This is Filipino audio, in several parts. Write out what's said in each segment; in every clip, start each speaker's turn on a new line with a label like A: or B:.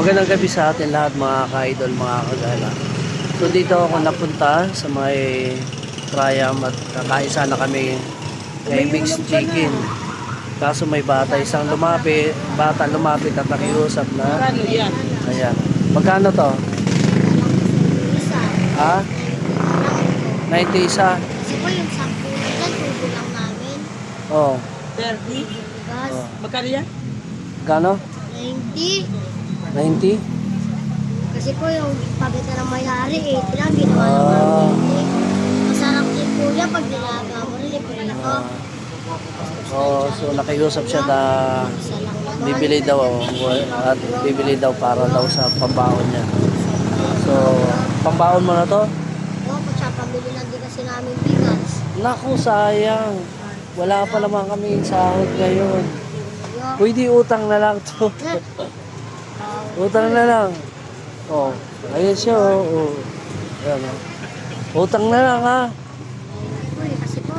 A: Magandang gabi sa atin lahat mga ka-idol, mga kagala. So dito ako napunta sa may Triam at kakain sana kami kay Mixed Chicken. Kaso may bata lumapit at nakiusap na. Ayan. Magkano to? Ha? 90 isa?
B: Kasi po yung 10 na tubo lang namin.
A: Oh.
C: 30?
B: Gas,
A: Oh.
C: Magkano yan?
A: Gano?
B: 90.
A: 90?
B: Kasi po yung pagitan ng may-ari, 80 lang, ginawa ng
A: Ah.
B: 90. Masarap din po yan pag nilaga mo rin, libre ako.
A: Oh, so nakiusap siya na
B: Isa lang naman.
A: bibili daw at bibili daw para daw sa pambaon niya. So, pambaon mo na to?
B: Oo, pag siya pamili lang din kasi namin bigas.
A: Naku, sayang. Wala pa naman kami sahod ngayon.
B: Yo.
A: Pwede utang na lang to. Utang na lang. Oh, ayun siya. Oh. Ayan, oh. Utang na lang ha.
B: Uy, kasi po.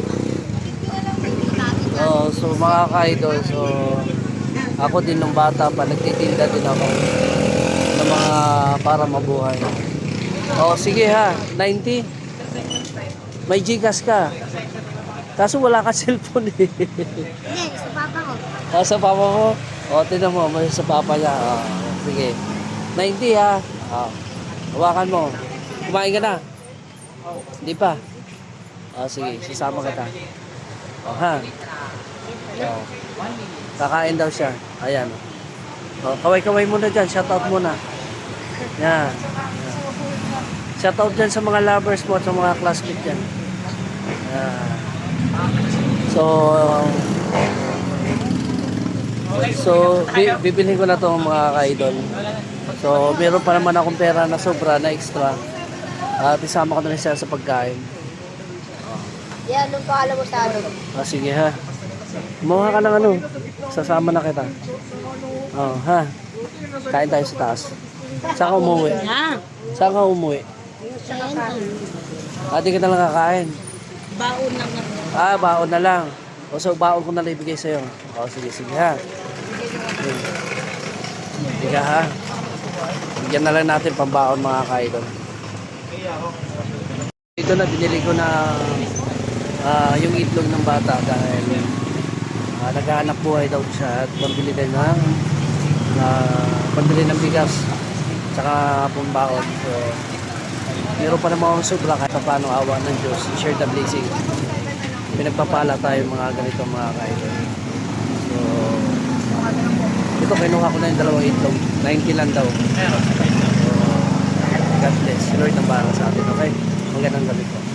A: Oh, so mga ka-idol, so ako din nung bata pa, nagtitinda din ako ng mga para mabuhay. Oh, sige ha, 90. May Gcash ka. Kaso wala ka cellphone eh.
B: Hindi, sa papa ko.
A: Sa papa mo? O, tinan mo, may sa papa niya. Sige. 90 ha. Hawakan mo. Kumain ka na? Hindi pa? Sige, sasama kita. Ha? Kakain daw siya. Ayan. Kaway-kaway muna dyan. Shoutout muna. Yan. Shoutout dyan sa mga lovers mo at sa mga classmates dyan. Yan. Bibilhin ko na to mga ka-idol. So, meron pa naman akong pera na sobra, na extra. At isama ko na rin siya sa pagkain.
B: Yan, anong paalam mo sa ano?
A: Sige ha. Kumuha ka ng ano. Sasama na kita. Ha. Kain tayo sa taas. Saan ka umuwi? Saan ka umuwi? Di ka na lang kakain.
C: Baon lang na.
A: Baon na lang. O so, baon ko na lang ibigay sa'yo. Sige ha. Sige ha. Bigyan na lang natin pambaon mga ka-idol. Ito na, binili ko na yung itlog ng bata dahil naghahanap buhay daw siya at pambili din pambili ng bigas tsaka pambaon. So, meron pa naman akong sobra kahit paano, awa ng Diyos. Share the blessing. Pinagpapala tayo mga ganito mga ka-idol. So, ito kinuha ko na yung dalawang itlog. 90 lang daw. So, God bless. Si Lord ang bahala sa atin. Okay? Magandang gabi po.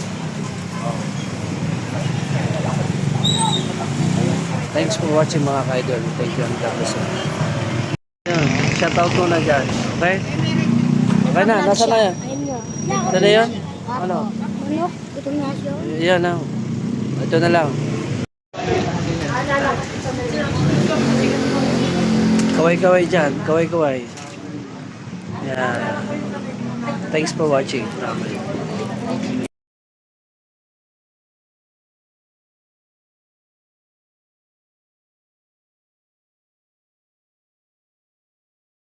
A: Thanks for watching mga ka-idol. Thank you and God bless you. Shoutout mo na dyan. Okay? Okay na. Nasa na yan?
B: Ayun nga.
A: Ito na yan? Ano?
B: Ano? Itong nasyo?
A: Yan na. Ito na lang. Kaway-kaway dyan. Kaway-kaway. Yan. Thanks for watching.